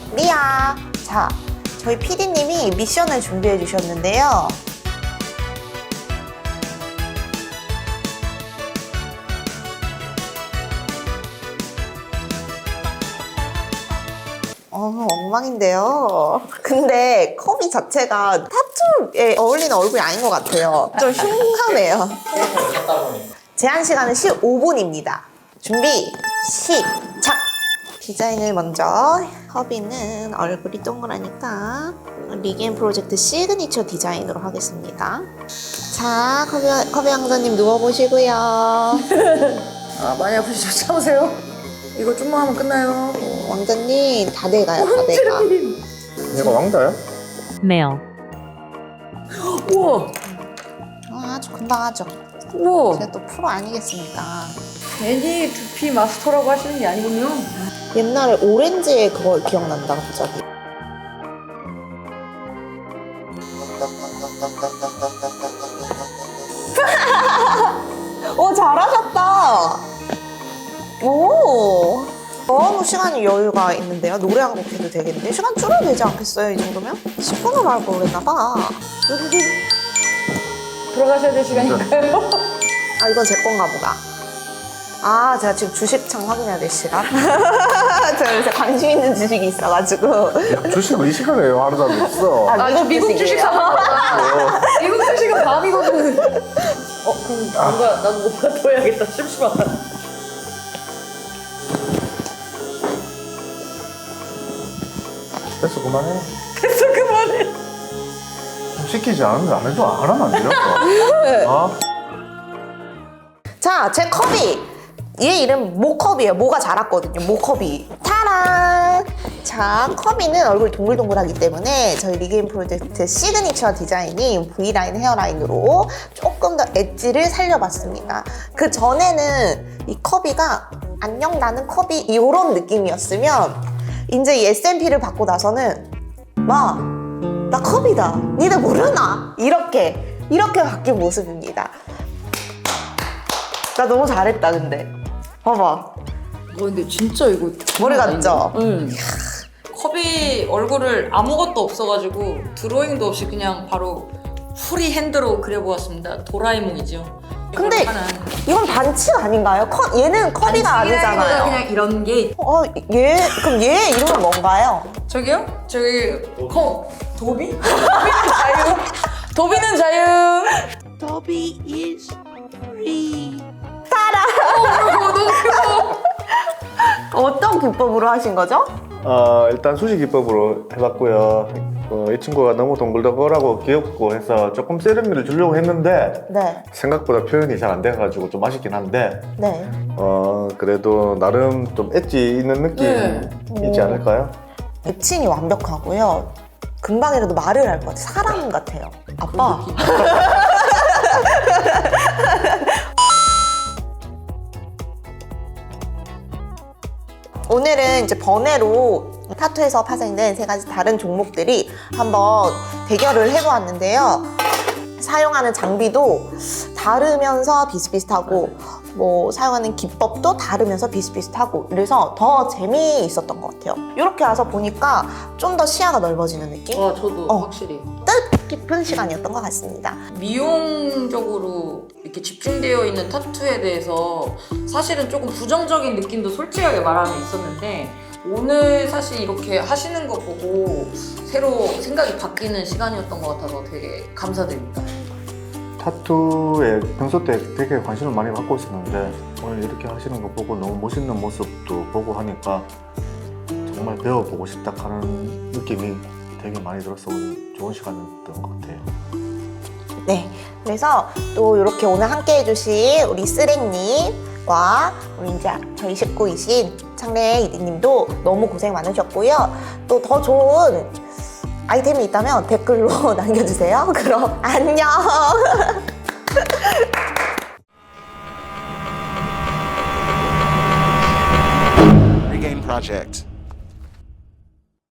리아. 자, 저희 PD님이 미션을 준비해 주셨는데요. 엉망인데요. 근데 컵이 자체가 타투에 어울리는 얼굴이 아닌 것 같아요. 좀 흉하네요. 제한 시간은 15분입니다. 준비, 시작! 디자인을 먼저, 허비는 얼굴이 동그라니까 리게임 프로젝트 시그니처 디자인으로 하겠습니다. 자, 커비 왕자님 누워보시고요. 많이 아프시죠? 참으세요. 이거 좀만 하면 끝나요. 왕자님 다 돼가요, 다 돼가. 얘가 왕자야? male, 우와. 아주 금방 하죠. 우와. 제가 또 프로 아니겠습니까? 괜히 두피 마스터라고 하시는 게 아니군요. 옛날에 오렌지의 그거 기억난다, 갑자기. 오, 잘하셨다. 오. 너무 시간이 여유가 있는데요. 노래 한 곡 해도 되겠는데? 시간 줄여도 되지 않겠어요, 이 정도면? 10분으로 할 걸 그랬나봐. 들어가셔야 될 시간인가요? 아, 이건 제 건가 보다. 아, 제가 지금 주식창 확인해야 될 시간? 제가 요새 관심 있는 주식이 있어가지고. 야, 주식을 이 시간에 하루도 안 했어. 아, 저 미국 주식 사는 거다. 미국 주식은 밤이거든. 그럼 나도 뭐가 더 해야겠다. 심심하다. 됐어, 그만해. 됐어, 그만해. 시키지 않은데 안 해도 안 하면 안 돼요? 아? 자, 제 컵이 얘 이름 모컵이에요. 모가 자랐거든요. 모컵이. 타란! 자, 컵이는 얼굴이 동글동글하기 때문에 저희 리게임 프로젝트 시그니처 디자인인 V라인 헤어라인으로 조금 더 엣지를 살려봤습니다. 그 전에는 이 컵이가 안녕 나는 컵이 이런 느낌이었으면 이제 이 SMP를 받고 나서는 마, 나 컵이다. 니들 모르나? 이렇게 바뀐 모습입니다. 나 너무 잘했다, 근데. 봐봐. 근데 진짜 이거 머리 같죠? 응. 컵이 얼굴을 아무것도 없어가지고 드로잉도 없이 그냥 바로 프리 핸드로 그려보았습니다. 도라에몽이죠. 근데 이걸 하는. 이건 반칙 아닌가요? 얘는 컵이가 아니잖아요. 그냥 이런 게 그럼 얘 이름은 뭔가요? 저기요? 저기 도비? 도비는 자유. 도비는 자유. 더비 is free. 어떤 기법으로 하신 거죠? 일단 수시 기법으로 해봤고요. 이 친구가 너무 동글동글하고 귀엽고 해서 조금 세련미를 주려고 했는데 네. 생각보다 표현이 잘 안 돼가지고 좀 아쉽긴 한데 네. 그래도 나름 좀 엣지 있는 느낌 있지 않을까요? 애칭이 완벽하고요. 금방이라도 말을 할 것 같아요. 사람 같아요. 아빠. 오늘은 이제 번외로 타투에서 파생된 3가지 다른 종목들이 한번 대결을 해보았는데요. 사용하는 장비도 다르면서 비슷비슷하고 뭐 사용하는 기법도 다르면서 비슷비슷하고 그래서 더 재미있었던 것 같아요. 이렇게 와서 보니까 좀 더 시야가 넓어지는 느낌? 저도 확실히. 뜻깊은 시간이었던 것 같습니다. 미용적으로 이렇게 집중되어 있는 타투에 대해서 사실은 조금 부정적인 느낌도 솔직하게 말하면 있었는데 오늘 사실 이렇게 하시는 거 보고 새로 생각이 바뀌는 시간이었던 것 같아서 되게 감사드립니다. 타투에 평소 때 되게 관심을 많이 갖고 있었는데 오늘 이렇게 하시는 거 보고 너무 멋있는 모습도 보고 하니까 정말 배워보고 싶다 하는 느낌이 되게 많이 들어서 오늘 좋은 시간이었던 것 같아요. 네, 그래서 또 이렇게 오늘 함께 해주신 우리 쓰랭님과 우리 이제 저희 식구이신 창래 이디님도 너무 고생 많으셨고요. 또 더 좋은 아이템이 있다면 댓글로 남겨주세요. 그럼 안녕. Regame Project.